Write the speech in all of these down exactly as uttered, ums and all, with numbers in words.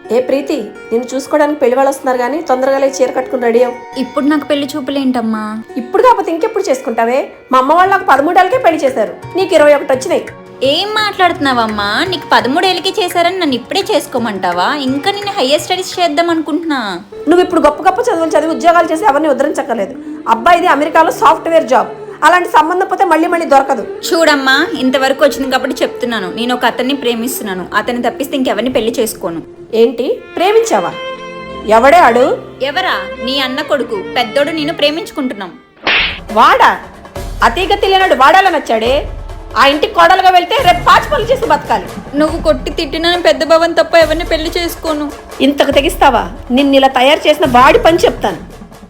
ఏ ప్రీతి, నిన్ను చూసుకోవడానికి పెళ్లి వాళ్ళు వస్తున్నారు కానీ తొందరగా లేచి చీర కట్టుకుని రెడీ అవ్వు. ఇప్పుడు నాకు పెళ్లి చూపులేంటమ్మా? ఇప్పుడు కాకపోతే ఇంకెప్పుడు చేసుకుంటావే? మా అమ్మ వాళ్ళకి పదమూడేళ్ళకే పెళ్లి చేశారు, నీకు ఇరవై ఒకటి వచ్చినాయి. ఏం మాట్లాడుతున్నావమ్మా? నీకు పదమూడేళ్ళకి చేశారని నన్ను ఇప్పుడే చేసుకోమంటావా? ఇంకా నేను హయ్యర్ స్టడీస్ చేద్దాం అనుకుంటున్నా. నువ్వు ఇప్పుడు గొప్ప గొప్ప చదువులు చదివి ఉద్యోగాలు చేసి ఎవరిని ఉద్ధరించక్కర్లేదు. అబ్బాయిది అమెరికాలో సాఫ్ట్వేర్ జాబ్, అలాంటి సంబంధం పోతే మళ్ళీ మళ్ళీ దొరకదు. చూడమ్మా, ఇంతవరకు వచ్చింది కాబట్టి చెప్తున్నాను, నేను ఒక అతన్ని ప్రేమిస్తున్నాను. అతన్ని తప్పిస్తే ఇంకెవరిని పెళ్లి చేసుకోను. ఏంటి, ప్రేమించావా? ఎవడే ఆడు? ఎవరా? నీ అన్న కొడుకు పెద్దోడు. నేను ప్రేమించుకుంటున్నాం. వాడా? అతీగ తెలియనాడు వాడాలని వచ్చాడే. ఆ ఇంటికి కోడలుగా వెళ్తే రేపు పాచి పనులు చేసి బతకాలి. నువ్వు కొట్టి తిట్టిన పెద్ద భవన్ తప్ప ఎవరిని పెళ్లి చేసుకోను. ఇంతకు తెగిస్తావా? నిన్ను ఇలా తయారు చేసిన వాడి పని చెప్తాను.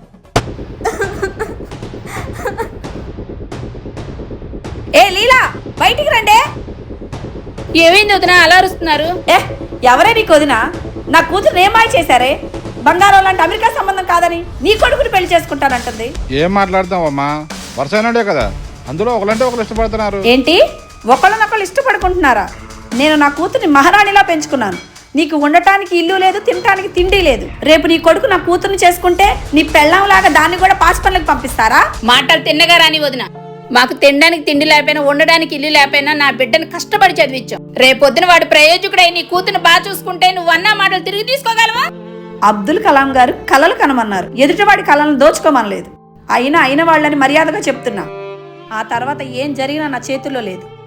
ఏ లీలా, బయటికి రండే. ఏమైంది వదినా అలా అరుస్తున్నారు? ఏ ఎవరే నీకు వదినా? నా కూతురు ఏమాయ చేశారే? బంగారం లాంటి అమెరికా సంబంధం కాదని నీ కొడుకుని పెళ్లి చేసుకుంటానంటుంది. ఏం మాట్లాడతావమ్మా? వరుసైనడే కదా, అందులో ఒకలంటే ఒకరు ఇష్టపడుతున్నారు. ఏంటి, ఒకళ్ళనొకళ్ళు ఇష్టపడుకుంటున్నారా? నేను నా కూతుర్ని మహారాణిలా పెంచుకున్నాను. నీకు ఉండటానికి ఇల్లు లేదు, తినటానికి తిండి లేదు. రేపు నీ కొడుకు నా కూతుర్ని చేసుకుంటే నీ పెళ్ళంలాగా దాన్ని కూడా పాచి పనులకు పంపిస్తారా? మాటలు తిన్నగా రాని వదిన. మాకు తినడానికి తిండి లేకపోయినా, ఉండడానికి ఇల్లు లేకపోయినా నా బిడ్డను కష్టపడి చదివించాం. రేపొద్దున వాడు ప్రయోజకుడై నీ కూతురు బాగా చూసుకుంటే నువ్వు అన్న మాటలు తిరిగి తీసుకోగలవా? అబ్దుల్ కలాం గారు కలలు కనమన్నారు, ఎదుటివాడి కళలను దోచుకోమనలేదు. అయినా అయిన వాళ్ళని మర్యాదగా చెప్తున్నా. ఆ తర్వాత ఏం జరిగినా నా చేతుల్లో లేదు.